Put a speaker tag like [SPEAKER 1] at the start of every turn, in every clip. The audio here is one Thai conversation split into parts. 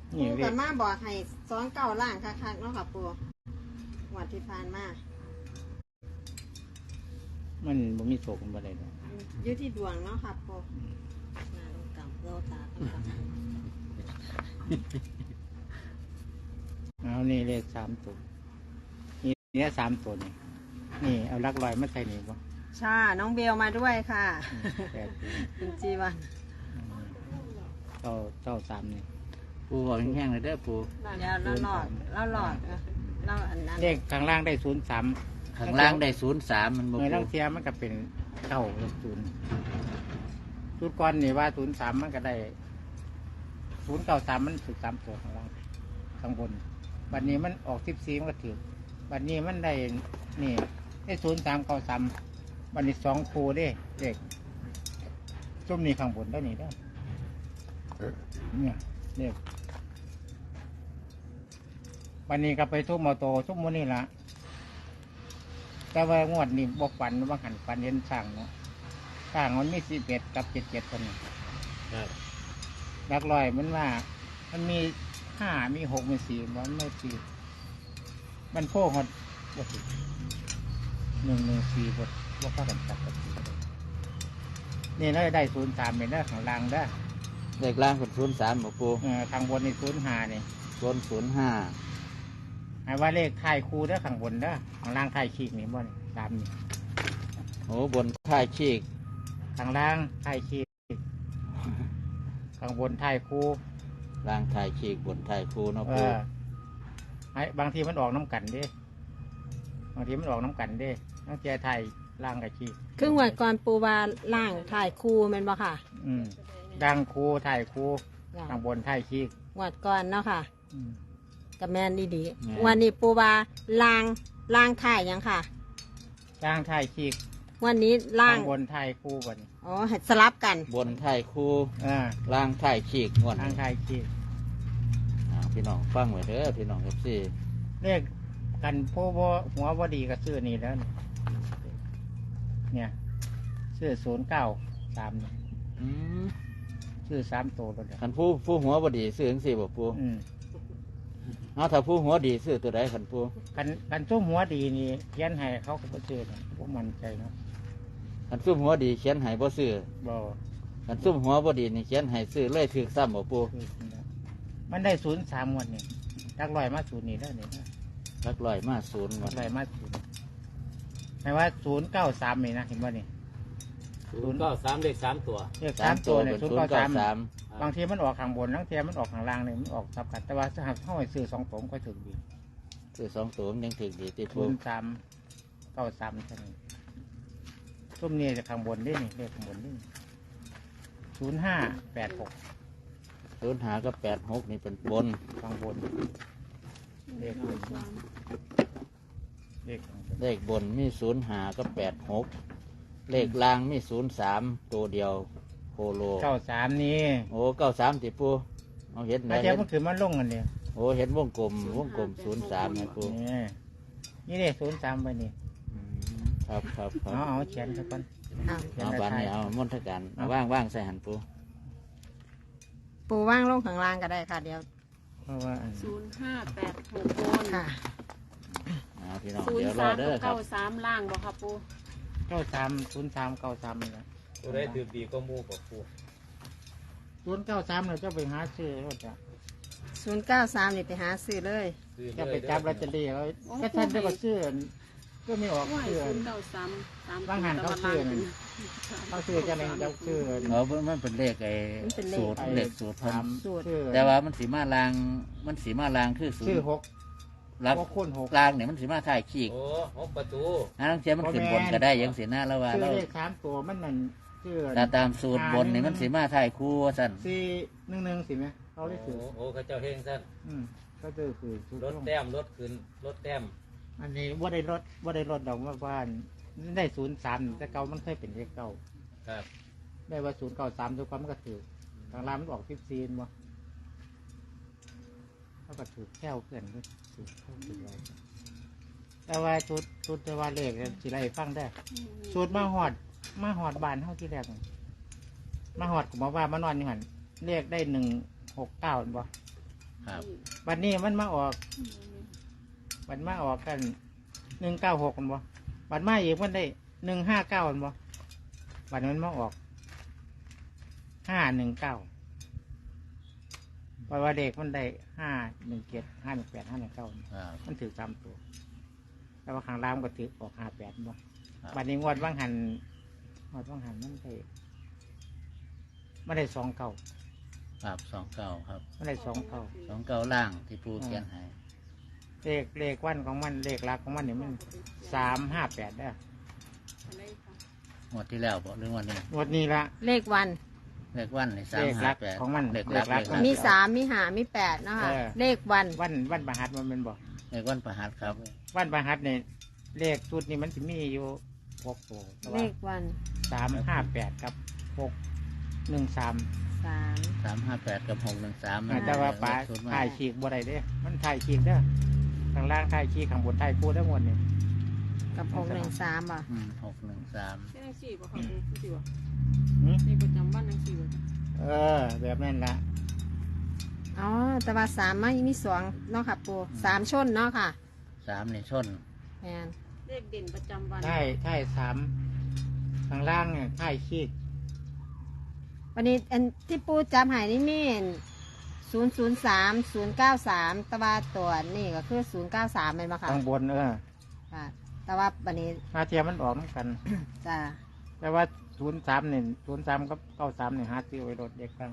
[SPEAKER 1] นี่
[SPEAKER 2] ปู
[SPEAKER 1] เล
[SPEAKER 2] กั
[SPEAKER 1] ข
[SPEAKER 2] บมาบอกให้29ล่างคักๆเนาะค่ะปูงวดที่ผ่านมา
[SPEAKER 1] มันบ่มีโศกมันบ่ได้ดอก
[SPEAKER 2] อยู่ที่ดวงเนาะค่ะปูหน้าลงต่ำโลตาต่ำ
[SPEAKER 1] เอานี่เลข3ตัวนี่เนี่ย3ตัวนี่นี่เอาหลักร้อยมาใส่นี่บ่
[SPEAKER 2] ชาน้องเบลมาด้วยค่ะ
[SPEAKER 1] แปดตัว
[SPEAKER 2] คุณจีวัน
[SPEAKER 1] เก้าสามนี่
[SPEAKER 3] ปูบอกแห้งๆเลยเด้อปู
[SPEAKER 2] เดี๋ยวเราหลอดเราอันนั้น
[SPEAKER 1] เลขข้างล่างได้03
[SPEAKER 3] ข้างล่างได้03มันบ่
[SPEAKER 1] เมื่อ
[SPEAKER 3] ปู
[SPEAKER 1] ลังเทียมันก็เป็นเก้า0ชุดก่อนนี่ว่า03มันก็ได้093มันถูก3ตัวข้างล่างข้างบนบัดนี้มันออก14มันก็ถูกบัดนี้มันได้นี่ได้0393บัดนี้2คู่เด้เลขซุ่มนี่ข้างบนได้นี่ได้อเนี่ยเลขบัดนี้ก็ไปทุ่มมอโตทุ่มโมนี่ละแต่ว่างวดนี้บกฝันว่าหันฝันเห็นสร้างเนาะสร้างมันมี11กับ77คนนี่
[SPEAKER 3] ครับ
[SPEAKER 1] หลักร้อยมันว่า มันมี5มี6มี4มันไม่4มันโค้งหดบ่ถูก114บ่เข้ากันจับกันนี่เราได้03เป็นเด้อข้างล่างเด้อ
[SPEAKER 3] เลขล่างเป็น03บ่ปู
[SPEAKER 1] ข้างบนนี่05นี่
[SPEAKER 3] บน05
[SPEAKER 1] หมายว่าเลขท้ายคู่เด้อข้างบนเด้อข้างล่างท้ายขีกนี่บ่นี่ตามนี่
[SPEAKER 3] โอ้บนท้ายชีก
[SPEAKER 1] ข้างล่างท้ายขีกข้างบนท้ายคู่
[SPEAKER 3] ล่างท้ายชีกบนท้ายคูเนาะปู
[SPEAKER 1] บางทีมันออกน้ำกันเด้บางทีมันออกน้ำกันเด้ต้องเจอไทยล่างกับชี
[SPEAKER 2] ครึ่งวันก่อนปูวาล่างถ่ายคูแมันบ่ค่ะ
[SPEAKER 1] ดังคูไทยคูข้างบนไทยชี
[SPEAKER 2] งวดก่อนเนาะค่ะ
[SPEAKER 1] อืม
[SPEAKER 2] กับแมนดีๆวันนี้ปูวาล่างถ่ายยังค่ะ
[SPEAKER 1] ล่างไทยชี
[SPEAKER 2] วันนี้ล่าง
[SPEAKER 1] ข้างบนไทยคูบน
[SPEAKER 2] อ๋อให้สลับกัน
[SPEAKER 3] บนท้ายคู
[SPEAKER 1] อ่า
[SPEAKER 3] ล่างท้ายชีกงวด
[SPEAKER 1] ล่างไทยชี
[SPEAKER 3] พี่น้องฟังไว้เด้อพี่น้องครับสิ
[SPEAKER 1] เลขกันผู้บ่หัวบ่ดีก็ซื้อนี่แล้วนี่เนี่ยซื้อ093นี่
[SPEAKER 3] อืม
[SPEAKER 1] ซื้อ3ตัวแล้วเด้อ
[SPEAKER 3] คันผู้หัวบ่ดีซื้อจังซี่บ่ปู
[SPEAKER 1] อืม
[SPEAKER 3] เอาถ้าผู้หัวดีซื้อตัวใดคันปู
[SPEAKER 1] กันซุ้มหัวดีนี่เขียนให้เขาก็บ่ซื้อนะพวกมันใจเนาะ
[SPEAKER 3] คันซุ่มหัวดีเขียนให้บ่ซื้อ
[SPEAKER 1] บ่
[SPEAKER 3] คันซุ่มหัวบ่ดีนี่เขียนให้ซื้อเลยถึกซ้ำบ่ปู
[SPEAKER 1] มันได้03วันนี่ลักลอยมา0นี่แล้วนี่นะ
[SPEAKER 3] ลักลอยมาศูนย์
[SPEAKER 1] ลั
[SPEAKER 3] วั
[SPEAKER 1] ก
[SPEAKER 3] น
[SPEAKER 1] ลอยมา0หมายว่า093นี่นะเห็นบ่นี่
[SPEAKER 4] 093เลข3ตัว
[SPEAKER 1] เลข
[SPEAKER 3] สาม
[SPEAKER 1] 3
[SPEAKER 3] ตั
[SPEAKER 1] ตัวว
[SPEAKER 3] เป็
[SPEAKER 1] เนี่ย
[SPEAKER 3] น093
[SPEAKER 1] 093บางทีมันออกข้างบนบางทีมันออกข้างล่างเลยมันออกสับกันแต่ว่าถ้าหากเข้าไปซื้อ2ตัวก็ถึงดี
[SPEAKER 3] ซื้อ2ตัวมันยังถึกดีติปู
[SPEAKER 1] 0393ใช่ไหมซุ่มนี่จะข้างบนนี่เลขข้างบนนี่0586
[SPEAKER 3] 0หากับ86นี่เป็นบน
[SPEAKER 1] ข้างบนเลขข้างบนเลขข้างบน
[SPEAKER 3] เลขบนมี0หากับ86เลขล่างมี03ตัวเดียวโคโล
[SPEAKER 1] 93นี่
[SPEAKER 3] โอ้93ติปูเอาเห็นไหน
[SPEAKER 1] แล้วเจ้ามันคือมันลงกันเนี่ย
[SPEAKER 3] โอ้เห็นวงกลม03นะปู
[SPEAKER 1] นี่เลย03ไปนี่
[SPEAKER 3] อืมครับครับครับ
[SPEAKER 1] เอาเขียนสักคน
[SPEAKER 2] อ้าว
[SPEAKER 3] เอาบานนี้เอามนทการเอาว่างๆใส่หันปู
[SPEAKER 2] ปูว่างลงข้างล่างก็ได้ค่ะ เดี๋ยว
[SPEAKER 1] เพราะว่า
[SPEAKER 5] 0586บน
[SPEAKER 2] ค่ะ
[SPEAKER 3] เอาพี่น้องเดี๋ยวรอ
[SPEAKER 5] 03
[SPEAKER 3] เด้อ
[SPEAKER 5] กับ
[SPEAKER 3] ครับ
[SPEAKER 5] 93ล่างบ่ครับปู
[SPEAKER 1] 93 03 93นี่แหละ
[SPEAKER 4] ตัวได้ถือดีก็มูกับปู
[SPEAKER 1] 093เราจะไปหาซื้อเขาจะ
[SPEAKER 2] 093นี่ไปหาซื้อเลย
[SPEAKER 4] ซื้อ
[SPEAKER 1] จะ
[SPEAKER 4] เล
[SPEAKER 1] ไป
[SPEAKER 4] ย
[SPEAKER 1] จับลอตเตอรี่เขาก็ท่านได้ก็ซื้อก็ไม่ออก
[SPEAKER 5] ว่า
[SPEAKER 1] ซื้อ
[SPEAKER 5] 093 3
[SPEAKER 1] บางหันเขาซื้อนั่นเขาซื้อจะอะไรจะซื้อ
[SPEAKER 3] มันเป็นเลขไอ้
[SPEAKER 2] มันเป็นเลข
[SPEAKER 3] สูตรเลขสูตร
[SPEAKER 1] ถาม
[SPEAKER 2] สูตร
[SPEAKER 1] ซื้อ
[SPEAKER 3] แต่ว่ามันสีมาลางคือศูน
[SPEAKER 1] ซื้อ
[SPEAKER 3] ย์
[SPEAKER 1] 6
[SPEAKER 3] รัก
[SPEAKER 1] 6คูณ6
[SPEAKER 3] ลางเนี่ยมันสีมาถ่ายขีก
[SPEAKER 4] โอ้หกประตู
[SPEAKER 3] อันนั้นเจ้ามันขึ้นบนก็ได้ยังสีหน้าแล้วว่า
[SPEAKER 1] ซื้อ
[SPEAKER 3] เรา
[SPEAKER 1] เลข3ตัวมันนั่นซื้อ
[SPEAKER 3] แต่ตามสูตรบนเนี่ยมันสีมาถ่ายคู่สั่น
[SPEAKER 1] 411สิไหมเขาได้
[SPEAKER 4] โอ้
[SPEAKER 1] ซื้อ
[SPEAKER 4] โอ้เขาเจ้าเฮงสั้น
[SPEAKER 1] ก็คือซื้อ
[SPEAKER 4] รถแต้มรถขึ้นรถแต้ม
[SPEAKER 1] อันนี้ว่าได้รถดอกว่าบ้านได้03แต่เก่ามันเคยเป็นเลขเก่า
[SPEAKER 4] ครับ
[SPEAKER 1] ได้ว่า093ทุกความมันก็ถือทางร้านมันออก14บ่เขาก็ถือแค่เพื่อนก็ถือเข้าถือไว้แต่ว่าชุดแต่ว่าเลขสิไรฟังได้ชุดมาหอดบ้านเท่าที่แรกนี่มาหอดกูมาว่ามานอนอยู่หันเลขได้169บ่
[SPEAKER 3] ครับ
[SPEAKER 1] วันนี้มันมาออกวันมาออกกัน196กันบ่วันมาอีกมันได้159กันบ่วันมันมาออก519เพราะว่าเด็กมันได้517 518 519
[SPEAKER 3] ครับ
[SPEAKER 1] มันถือ3ตัวแต่ว่าข้างล่างก็ถือออก58บ่
[SPEAKER 3] ครับ
[SPEAKER 1] วันนี้งวดว่างหันมันได้2เก้า
[SPEAKER 3] ครับสองเก้าครับ
[SPEAKER 1] มันได้2เก้า
[SPEAKER 3] สองเก้าล่างที่ปูเขียนให้
[SPEAKER 1] เลขวันของมันเลขหลักของมันนี่มัน358ได้อ
[SPEAKER 5] อะไรค่ะ
[SPEAKER 3] งวดที่แล้วบอกเรื่องวันนี้
[SPEAKER 1] งวดนี้ละ
[SPEAKER 2] เลขวัน
[SPEAKER 3] เลขวันในสาม
[SPEAKER 1] เลขหลั
[SPEAKER 3] ห้าก แปด
[SPEAKER 1] ของมัน
[SPEAKER 3] เลขหลัก
[SPEAKER 1] เลขหลัก
[SPEAKER 3] เลขหลัก
[SPEAKER 2] มี3มี5มี8เนาะค่ะ
[SPEAKER 1] เออ
[SPEAKER 2] เลขวัน
[SPEAKER 1] วันประหัสมันเป็นบอก
[SPEAKER 3] เลขวันประหัสครับ
[SPEAKER 1] วันประหัสเนี่ยเลขชุดนี้มันจะมีอยู่6ตัวแต่
[SPEAKER 2] เล
[SPEAKER 1] ว่า
[SPEAKER 2] ขวัน
[SPEAKER 1] 358กับ613
[SPEAKER 2] 3
[SPEAKER 3] 358กับ613
[SPEAKER 1] แต่ว่าป๋าถ่ายฉีกบ่ได้เด้มันถ่ายฉีกเด้อข้างล่างถ่ายฉีกข้างบนถ่ายปูทั้งหมดนี่
[SPEAKER 2] กับ613อ่ะ
[SPEAKER 3] 613
[SPEAKER 5] แค่นังสี่บ่ค่ะปูสิบ่
[SPEAKER 1] หืม
[SPEAKER 5] ในประจำวันนังสี่บ่
[SPEAKER 1] แบบนั้นละ
[SPEAKER 2] อ๋อแต่ว่า3ไม่มี2เนาะค่ะปู3ชนเนาะค่ะ
[SPEAKER 3] 3ในชน
[SPEAKER 2] แม่น
[SPEAKER 5] เลขเด่นประจำวัน
[SPEAKER 1] ถ่าย3ข้างล่างเนี่ยถ่ายฉีก
[SPEAKER 2] วันนี้อันที่ปูจำหายนี่มี003 093แต่ว่าตัวนี่ก็คือ093เป็นมาค่ะ
[SPEAKER 1] ข้างบน
[SPEAKER 2] ค่ะ แต่ว่าวันนี้
[SPEAKER 1] หาเทียมมันออกเหมือนกัน
[SPEAKER 2] จะ
[SPEAKER 1] แต่ว่า03เนี่ย03กับ93เนี่ยหาซื้อไว้รถเด็กกัน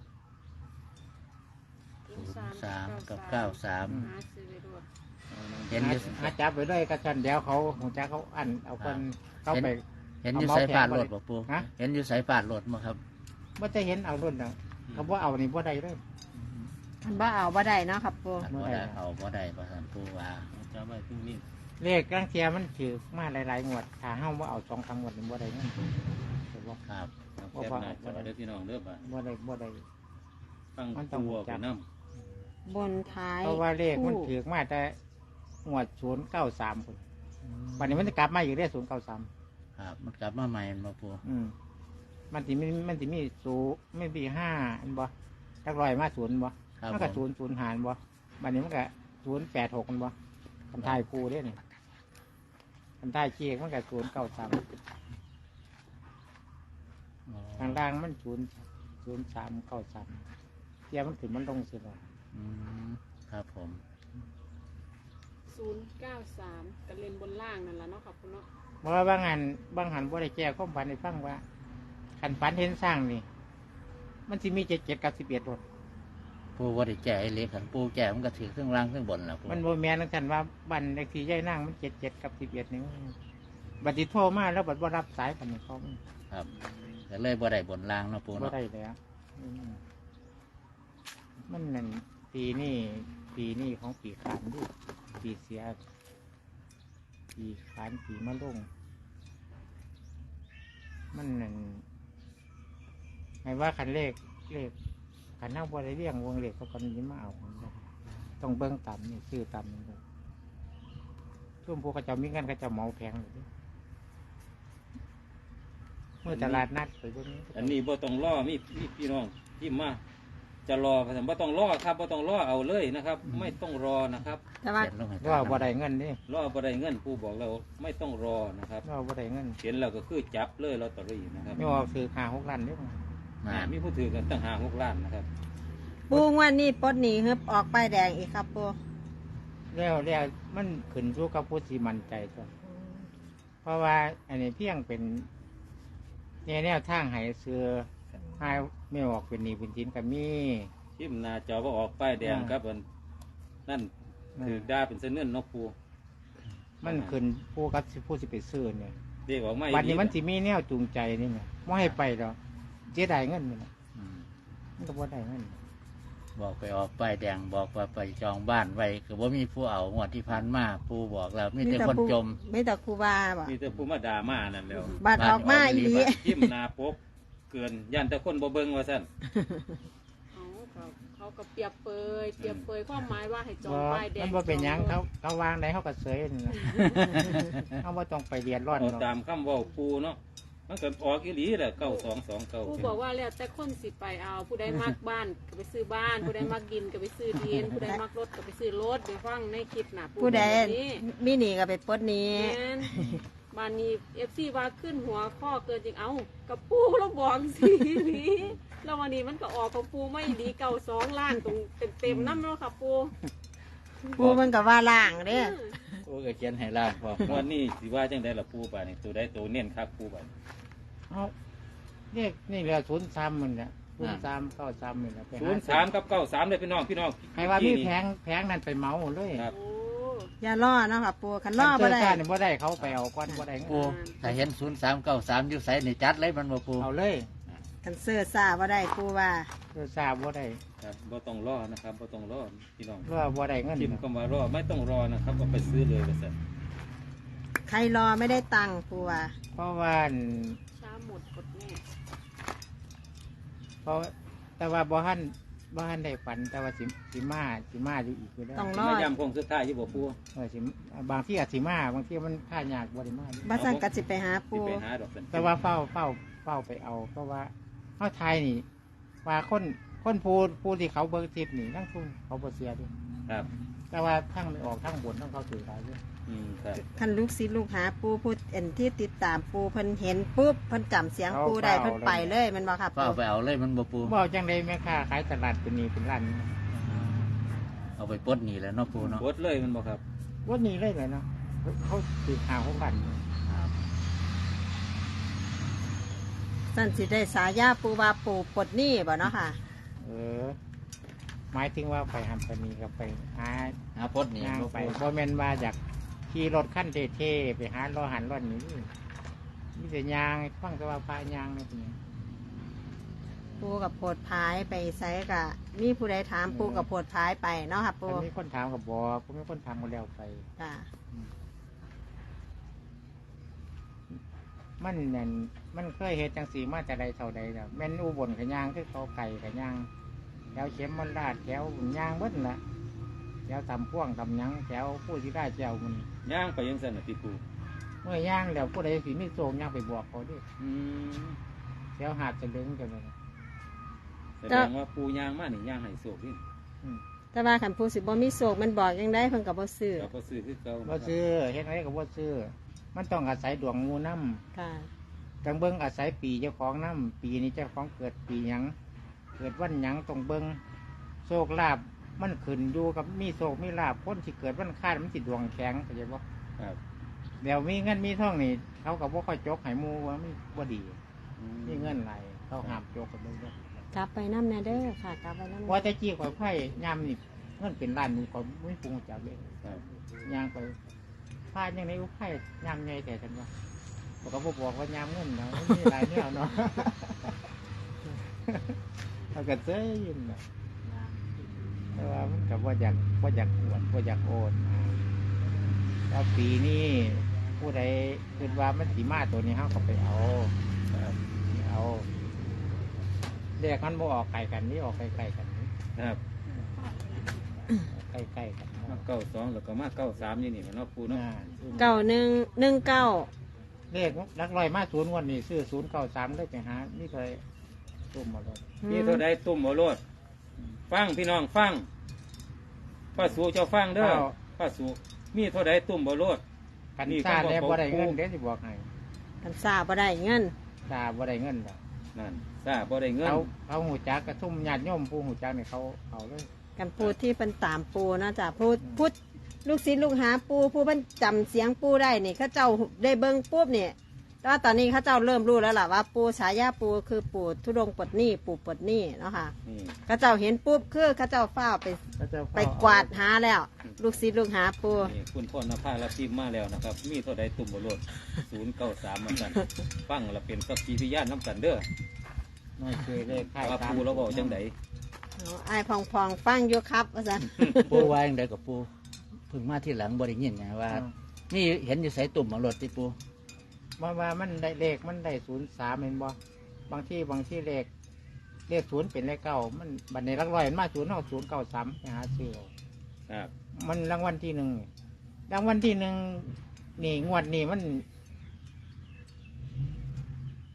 [SPEAKER 3] 3กับ
[SPEAKER 5] หา
[SPEAKER 3] 93
[SPEAKER 5] ซื้อไปรวด
[SPEAKER 3] เห็นอยู่
[SPEAKER 1] หาจับไปด้วยกระชันเดี๋ยวเขาหัวใจเขาอันเอาคนเข้าไป
[SPEAKER 3] เห็นอยู่สายฟาดรถบ่ปู
[SPEAKER 1] ฮะ
[SPEAKER 3] เห็นอยู่สายฟาดรถบ่ครับ
[SPEAKER 1] ว่าจะเห็นเอารุ่นนะเขาว่าเอานี่ว่าใดเลย
[SPEAKER 2] มันบ่เอาบ่ได้เนาะครับปู
[SPEAKER 3] อันบ่ได้เอาบ่ได้ประธานปูว่าจะไว้พึ่งนี่
[SPEAKER 1] เลขกลางเทียมันถือมาหลายๆงวดถ้าเฮาว่าเอา2-3งวดนี่ว่าใดนั่นแต่ว่า
[SPEAKER 3] ครับ
[SPEAKER 4] แคบหน้าจอเด้อพี่น้องเด้อบ่า
[SPEAKER 1] ว่าใด
[SPEAKER 4] ฟัง
[SPEAKER 1] มันต้อง
[SPEAKER 4] ตัว
[SPEAKER 1] จั
[SPEAKER 4] ไป
[SPEAKER 1] บ
[SPEAKER 4] น้
[SPEAKER 2] บนท้าย
[SPEAKER 1] เพราะว่าเลขมันถือมาแต่งวด093คนวันนี้มันจะกลับมาอยู่ได้093
[SPEAKER 3] ครับมันกลับมาใหม่มาปู
[SPEAKER 1] มันสิมี0ไม่มี5อันบ่จักร้อยมา0บ่
[SPEAKER 3] ครับ
[SPEAKER 1] มันก็
[SPEAKER 3] ผม
[SPEAKER 1] 0 หารบ่วันนี้มันก็086กันบ่คันทายคู่เด้นี่คันทายเชียกมันก็093
[SPEAKER 3] อ๋อ
[SPEAKER 1] ทางล่างมัน0393เทียมันขึ้นมันลงสิบ่
[SPEAKER 3] อืมครับผม
[SPEAKER 5] 093กันเล่นบนล่างนั่นล่ะเนาะค่ะปูเนาะ
[SPEAKER 1] เพราะว่าบางหันบ่ได้แก้ความฝันให้ฟังว่าคันฝันเห็นสร้างนี่ มันสิมี77กับ11รถ
[SPEAKER 3] ปูว่าได้แก่ไอ้เล็กขันปูแก่มันก็ถือเครื่องล่างเครื่องบนแล้วปู
[SPEAKER 1] มันบ่แม่นจังซั่นว่าบ้านเลขที่ยายนางมัน77กับ11นี่บัดนี้โทรมาแล้วบัดบ่รับสายปานนี้เขา
[SPEAKER 3] ครับก็เลยบ่ได้บนล่างเนาะปู
[SPEAKER 1] บ่
[SPEAKER 3] เนาะ
[SPEAKER 1] ได้แล้วมันนั่นปีนี้ของปีขานดิปีเสียปีขานปีมะลงมันนั่นให้ว่าคันเลขคันเฮาบ่ได้เลี้ยงวงเลขเขาก็มีมาเอาต้องเบิ่งต่ำนี่ซื้อต่ำนี่ช่วงพวกเขาเจ้ามีเงินเขาเจ้าเหมาแพงเลยเด้เมื่อตลาดนัดไปพวกนี้
[SPEAKER 4] ำอันนี้บ่ต้องรอมีพี่น้องที่มาจะรอพระสัมบ่ต้องรอครับบ่ต้องรอเอาเลยนะครับ ไม่ต้องรอนะครับ
[SPEAKER 2] แต่ว่า
[SPEAKER 3] เขียนลงให้
[SPEAKER 1] ว่าบ่ได้เงินนี่
[SPEAKER 4] รอบ่ได้เงินผู้บอกเราไม่ต้องรอนะครับ
[SPEAKER 1] ว่าบ่ได้เงิน
[SPEAKER 4] เห็นแล้วก็คือจับเลยลอตเตอรี่นะครับ
[SPEAKER 1] ไม่ออกซื้อ5-6 ล้านเด้อ
[SPEAKER 3] มา
[SPEAKER 4] มีผู้ถือกันตั้ง5-6 ล้านนะครับ
[SPEAKER 2] ปูงวันนี้ปลดหนีฮึบออกป้ายแดงอีกครับปู
[SPEAKER 1] แล้วมันขึ้นสู่กับผู้ที่มั่นใจตัวเพราะว่าอันนี้เพียงเป็นแนวทางให้เสือให้ไม่ออกเป็นหนี้เป็นสินก็มี
[SPEAKER 4] ทิมหน้าจอบ่ออกป้ายแดงครับอันนั่นถือดาเป็นเส้นเนื่อนนกปู
[SPEAKER 1] มันขึ้นผู้กับผู้สิไปซื้อเนี่ย
[SPEAKER 4] เรียกออกมา
[SPEAKER 1] บัดนี้มันสิมีแนวจูงใจนี่ไงบ่ให้ไปดอกเสียดายเงินนี่นะ
[SPEAKER 3] อืม
[SPEAKER 1] มันก็บ่ได้เงิน
[SPEAKER 3] บอกไปออกป้ายแดงบอกว่าไปจองบ้านไว้คือว่ามีผู้เอางวดที่พันมาปูบอกแล้วมีแต่คนจม
[SPEAKER 2] ไม่แต่ครูบาบ่
[SPEAKER 4] มีแต่ผู้มาด่ามานั่นแล้ว
[SPEAKER 2] บัตรออกมาอีหลี
[SPEAKER 4] ทิมหน้าปกเกินยันแต่คนบ่เบิ่งว่าซั่น
[SPEAKER 5] เขาก็เปรียบเปรยความหมายว่าให้จอง
[SPEAKER 1] บ่
[SPEAKER 5] ป้ายแดง
[SPEAKER 1] มันบ่เป็นหยังเขาวางได้เขาก็เสยนี่นะ เขาบ่ต้องไปเรียนร้อน
[SPEAKER 4] เอา
[SPEAKER 1] หรอก
[SPEAKER 4] ตามคำเว้าปูเนาะมันก็ออกอีหลีแหละ9229
[SPEAKER 5] ผู้บอกว่าแล้วแต่คนสิไปเอา ผู้ใดมักบ้านก็ไปซื้อบ้าน ผู้ใดมักดินก็ไปซื้อดิน ผู้ใดมักรถก็ไปซื้อรถไปฟังในคลิปน่ะ
[SPEAKER 2] ผู้ใด
[SPEAKER 5] บอกแบบนี้
[SPEAKER 2] มีหนีก็ไปปลดหนี้
[SPEAKER 5] แม่นบ้านนี้เอฟซีว่าขึ้นหัวข้อเกินจริงเอากับปูเราบอกสิ นี้แล้ววันนี้มันก็ออกของปูไม่ดีเก่า2ล้านตรงเต็มๆน้ำแล้วค่ะปู
[SPEAKER 2] ปูมันก็ว่าล่างเด้
[SPEAKER 3] ปูก็เขียนให้ล่างพอ
[SPEAKER 4] วันนี้สิว่าจังได๋ล่ะปูบาดนี่ตัวใดตัวเน้นครับปูบาด
[SPEAKER 1] เอาเลขนี่แหละ03มันเนี่ย0393นี่แหละไปหา
[SPEAKER 4] 03กับ93เลยพี่น้อง
[SPEAKER 1] ให้ว่ามีแผงนั้นไปเหมาเลย
[SPEAKER 4] ครับ
[SPEAKER 5] โอ้
[SPEAKER 2] อย่าล่อเนาะค่ะปูคันล่อบ่ได้
[SPEAKER 1] คันเจอกันบ่ได้เขาไปเอาก้อนบ่ได้เงิน
[SPEAKER 3] ปูถ้าเห็น0393อยู่ไสนี่จัดเลยมันบ่ปู
[SPEAKER 1] เอาเลย
[SPEAKER 2] คันเสื้อซ่าบ่ได้ปูว่า
[SPEAKER 1] เจอทราบบ่ได้
[SPEAKER 4] ครับบ่ต้องรอนะครับบ่ต้องรอพี่น้อง
[SPEAKER 1] ว่าบ่ได้เงิน
[SPEAKER 4] พิมพ์คำว่ารอไม่ต้องรอนะครับเอาไปซื้อเลยว่าซั่น
[SPEAKER 2] ใครรอไม่ได้ตังค์ปูว่า
[SPEAKER 1] เพราะว่า
[SPEAKER 5] ช้าหมดกดแน่
[SPEAKER 1] เพราะแต่ว่าบ่ทันได้ฝันแต่ว่าสิมาอยู่อีกอยู่แล้ว
[SPEAKER 2] ต้อง
[SPEAKER 4] สิ
[SPEAKER 2] รอ
[SPEAKER 4] มาย้ำคงสุดท้ายอยู่บ่ปู
[SPEAKER 1] สิบางที่อาจสิมาบางที่มันค่ายากบ่ได้มา
[SPEAKER 2] บัสันก็สิไปหา
[SPEAKER 4] สิ
[SPEAKER 2] ปู
[SPEAKER 4] ไปหาดอกซั่น
[SPEAKER 1] แต่ว่าเฝ้าไปเอาเพราะว่าเฮาไทยนี่ ว่าคนผู้ที่เขาเบิ่งทิพนี่ทั้งทุนเขาบ่เสียดิ
[SPEAKER 4] ครับ
[SPEAKER 1] แต่ว่าทั้งไม่ออกทั้งบนทั้งเขาถือหลายอยู่
[SPEAKER 4] ครับ
[SPEAKER 2] คันลูกศิษย์ลูกหาปูพูดเอ็นที่ติดตามปูเพิ่นเห็นปุ๊บเพิ่นจำเสียงปูได้เพิ่นไปเลยแมันบ่ครับ
[SPEAKER 3] ก็เอาไปเอาเลยมันบ่ปู
[SPEAKER 1] บ่จังได๋แม่ค้าขายตลาดเป็นนี่เป็นร้านนี่
[SPEAKER 3] เอาไปปลดหนี่แหล้วเนาะปูเนาะ
[SPEAKER 4] กดเลยมันบ่ครับ
[SPEAKER 1] ว่านี่เลยเนาะเขาถือหาของกัน
[SPEAKER 3] ครับ
[SPEAKER 2] สั่นสิได้สายาปูว่าปูปลดหนี้บ่เนาะค่ะ
[SPEAKER 1] เออหมายถึงว่าไปหันไปนี่ก็ไปหา
[SPEAKER 3] ปลดหนี่
[SPEAKER 1] ย่าง
[SPEAKER 3] บ่
[SPEAKER 1] ไป
[SPEAKER 3] ปู
[SPEAKER 1] บ่แม่นว่าอยากขี่รถขั้นเท่ๆไปหาล้อหันล้อหนี้มีแต่ยางฟังแต่ว่าพายางนี่เป็นหยัง
[SPEAKER 2] ปูกับโพดพายไปไสกะมีผู้ใดถามปูกับโพดพายไปเนาะค่ะปู
[SPEAKER 1] ถ้ามีคนถามกับบอกผมมีคนถามมาแล้วไป
[SPEAKER 2] จ้ะ
[SPEAKER 1] มันนั่นมันเคยเฮ็ดจังสีมาแต่ใดเท่าใดแล้วแม่นอุบลขยางคือเขาไก่ขยางแถวเข็มมันลาดแถวยางเบิดละแถวตำพ่วงตำหยังแถวผู้ที่ได้แจวมัน
[SPEAKER 4] ย่างไปยังซั่นน่ะพี่ปู
[SPEAKER 1] เมื่อย่างแล้วผู้ใดสิมีโศกย่างไปบอกเขาดิ
[SPEAKER 4] อืม
[SPEAKER 1] แถวหาดจะลึงกันเลย
[SPEAKER 4] แสดงว่าปูย่างมานี่ย่างให้โศกนี่
[SPEAKER 2] แต่ว่าคันปูสิบ่มีโศกมันบอกยังได้เพิ่นก็บ่ซื้อ
[SPEAKER 4] เราก็ซื้อคือเก่า
[SPEAKER 1] บ่ซื้อเฮ็ดอะไรก็บ่ซื้อมันต้องอาศัยดวงงูน้ำ
[SPEAKER 2] ค่ะ
[SPEAKER 1] จังเบิ้งอาศัยปีเจ้าของน้ำปีนี้เจ้าของเกิดปีหยังเกิดวันหยังต้องเบิ้งโชคลาภมันขึ้นอยู่กับมีโชคมีลาภคนที่เกิดวันคาดมันสิดวงแข็งเข้าใจบ่
[SPEAKER 4] ครับ
[SPEAKER 1] เดี๋ยวมีเงินมีทองนี่เขาก็บ่ค่อยจกให้หมู่ว่ามันบ่ดี
[SPEAKER 4] อื
[SPEAKER 1] มีเงินไหลายเขาห้ามจกกันเบิ่งเด้อก
[SPEAKER 2] ลับไปน้ำแน่เด้อค่ะ กลับไปน้ำ
[SPEAKER 1] ว่าแต่จี้ข่อยไผ่ยามนี่เงินเป็นล้านนี่ก็ไม่ปรุงจักเลย
[SPEAKER 4] ครับ
[SPEAKER 1] ยางไปพาจังได๋ไผ่ยามใหญ่แต่ฉันว่าเขาก็บ่บอกว่ายามเงินเนาะมันมีหลายแนวเนาะ เขาก็เซ้ยยินน่ะแต่ว่ามันก็บ่อยากอวดบ่อยากโอนแล้วปีนี้ผู้ใดคิดว่ามันสิมาตัวนี้เฮาก็ไปเอาเอาเรียกมันบ่ออกไกลกันนี่ออกใกล้ๆกันนี่
[SPEAKER 4] ครับ
[SPEAKER 1] ใกล้ๆกัน
[SPEAKER 4] มา92แล้วก็มา93นี่นี่มันเนาะปูเนาะ
[SPEAKER 2] 9119
[SPEAKER 1] เลขลักลอยมา0งวดนี้ซื้อ093ได้ไปหานี่เคยตุ่มมาเลย
[SPEAKER 4] มีเท่าใดตุ่มบ่โลดฟังพี่น้องฟังป้าสูเจ้าฟังเด้อป้าสูมีเท่าใดตุ่มบ่โลด
[SPEAKER 1] กัน
[SPEAKER 4] นี่
[SPEAKER 1] ซ่า
[SPEAKER 4] ก็บอก
[SPEAKER 1] แล้วบ่ได้เงิน
[SPEAKER 4] ปู่
[SPEAKER 1] เด้สิบอกให้
[SPEAKER 2] กันซาบ่ได้เงิน
[SPEAKER 1] ซ่าบ่ได้เงินดอก
[SPEAKER 4] นั่นทราบบ่ได้เงิน
[SPEAKER 1] เขาหูจักกระทุ่มญาติโยมผู้หูจักนี่เขาเอาเลย
[SPEAKER 2] กันพูดที่เป็นตามปูนะจ๊ะพูดลูกศิษย์ลูกหาปูผู้เพิ่นจำเสียงปูได้นี่เขาเจ้าได้เบิ่งปุ๊บเนี่ยแต่ว่าตอนนี้เขาเจ้าเริ่มรู้แล้วล่ะว่าปูฉายาปูคือปูทุดงค์ปลดหนี้ปูปลดหนี้เนาะค่ะ
[SPEAKER 4] นี่
[SPEAKER 2] เขาเจ้าเห็นปุ๊บคือเขาเจ้าฟ้าวไป
[SPEAKER 1] เขาจะ
[SPEAKER 2] ไปกวาดหาแล้ว ลูกศิษย์ลูกหาปู
[SPEAKER 4] นี่คุณพ่อนภารับทิมมาแล้วนะครับ มีเท่าใดตุ่มบ่โลด093มันกันฟังแล้วเป็นสักขีพยานน้ำกันเด้อ
[SPEAKER 1] น้อยช่วยเลขค่าย
[SPEAKER 4] ว่าปูเราบอกจังได
[SPEAKER 2] เอาไอ้พองพองๆฟังอยู่ครับว่าซั่น
[SPEAKER 3] ปูว่าจังไดกับปูเพิ่งมาที่หลังบ่ได้ยินไงว่านี่เห็นอยู่ไสตุ่มเอารถที่ปู
[SPEAKER 1] ว่ามันได้เลขมันได้03เห็นบ่บางที่เลข0เป็นเลข9มันบัดนี้ลักลอยมันมา0เฮา093ไปหาซื้อเอา
[SPEAKER 4] ครับ
[SPEAKER 1] มันรางวัลที่1รางวัลที่1นี่งวดนี้มัน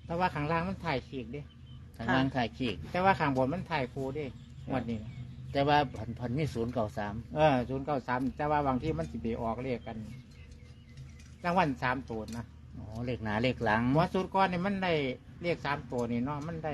[SPEAKER 1] แต่ว่าข้างล่างมันถ่ายขีกเดิ
[SPEAKER 3] ทางล่างถ่ายขีก
[SPEAKER 1] แต่ว่าข้างบนมันถ่ายคูเดิงวดนี้นะ
[SPEAKER 3] แต่ว่าพันมี093
[SPEAKER 1] 093แต่ว่าบางที่มันสิไปออกเลขกันรางวัล3 ตัวนะ
[SPEAKER 3] อ๋อเลขหน้าเลขหลัง
[SPEAKER 1] หัวสูตรก้อนนี่มันได้เลข3 ตัวนี่เนาะมันได้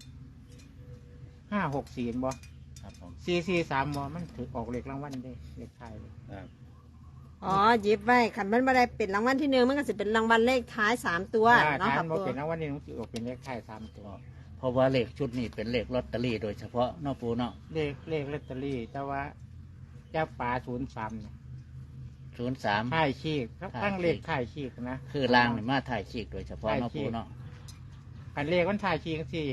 [SPEAKER 1] 564บ่
[SPEAKER 3] ครับผม
[SPEAKER 1] 443บ่มันถือออกเลขรางวัลได้เลขท้ายเลย
[SPEAKER 4] ครับ
[SPEAKER 2] อ๋อหยิบไว้คันมันไม่ได้เป็นรางวัลที่หนึ่งมันก็สิเป็นรางวัลเลขท้าย3 ตัวเนาะ
[SPEAKER 1] ถ้า
[SPEAKER 2] ค่ะ
[SPEAKER 1] มันบ่
[SPEAKER 2] ปู
[SPEAKER 1] เป็นรางวัลนี่มันสิออกเป็นเลขท้าย3 ตัว
[SPEAKER 3] เพราะว่าเลขชุดนี้เป็นเลขลอตเตอรี่โดยเฉพาะเนอกปูเนาะ
[SPEAKER 1] เลขลอตเตอรี่แต่ว่าเจ้าป่า03เนี่ย
[SPEAKER 3] 03
[SPEAKER 1] ถ่ายขีกครับ
[SPEAKER 3] ถ่ายขีก
[SPEAKER 1] ตั้งเลขถ่ายขีกนะ
[SPEAKER 3] คือล่างนี่มาถ่ายขีกโดยเฉพาะเนอกปูเนาะ
[SPEAKER 1] อันเลขมันถ่ายขีกที่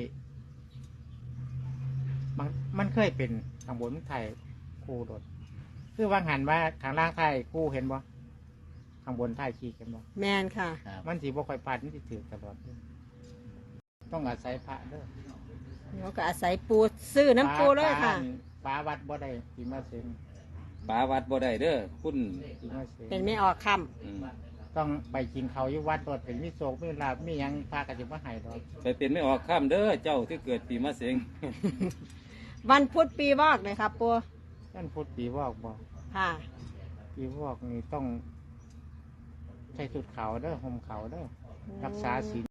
[SPEAKER 1] มันเคยเป็นข้างบนมันถ่ายคู่โดดคือวางหันว่าข้างล่างถ่ายคู่เห็นบ่ข้างบนถ่ายขีกเห็นบ่
[SPEAKER 2] แมนค่ะ
[SPEAKER 3] ครับ
[SPEAKER 1] มันสีบ่ค่อยพลาดมันสิถือตลอดเด้อต้องอาศัยพระเด้อ
[SPEAKER 2] แล้วก็อาศัยปูซื้อน้ำปูเลยค่ะ
[SPEAKER 1] ปลาวัดบ่ได้ปีมาเซ็ง
[SPEAKER 4] ปาวัดบ่ได้เด้อคุณ
[SPEAKER 1] ปีมาเซ็ง
[SPEAKER 2] เป็นไม่ออกค
[SPEAKER 4] อืม
[SPEAKER 1] ต้องไปกินเขาวอยู่วัดโดดเป็นมีโศกมีลาบมีหยังพากันสิมาให้ดอก
[SPEAKER 4] ไปเป็นไม่ออกข้ามเด้อเจ้าที่เกิดปีมะเสง
[SPEAKER 2] ำวันพุธปีวอกเลยครับปู
[SPEAKER 1] ท่านพุทธปีวอกบ่
[SPEAKER 2] ค่ะ
[SPEAKER 1] ปีวอกนี่ต้องใส่สุดขาวเด้อห่มขาวเด้อรักษาศีล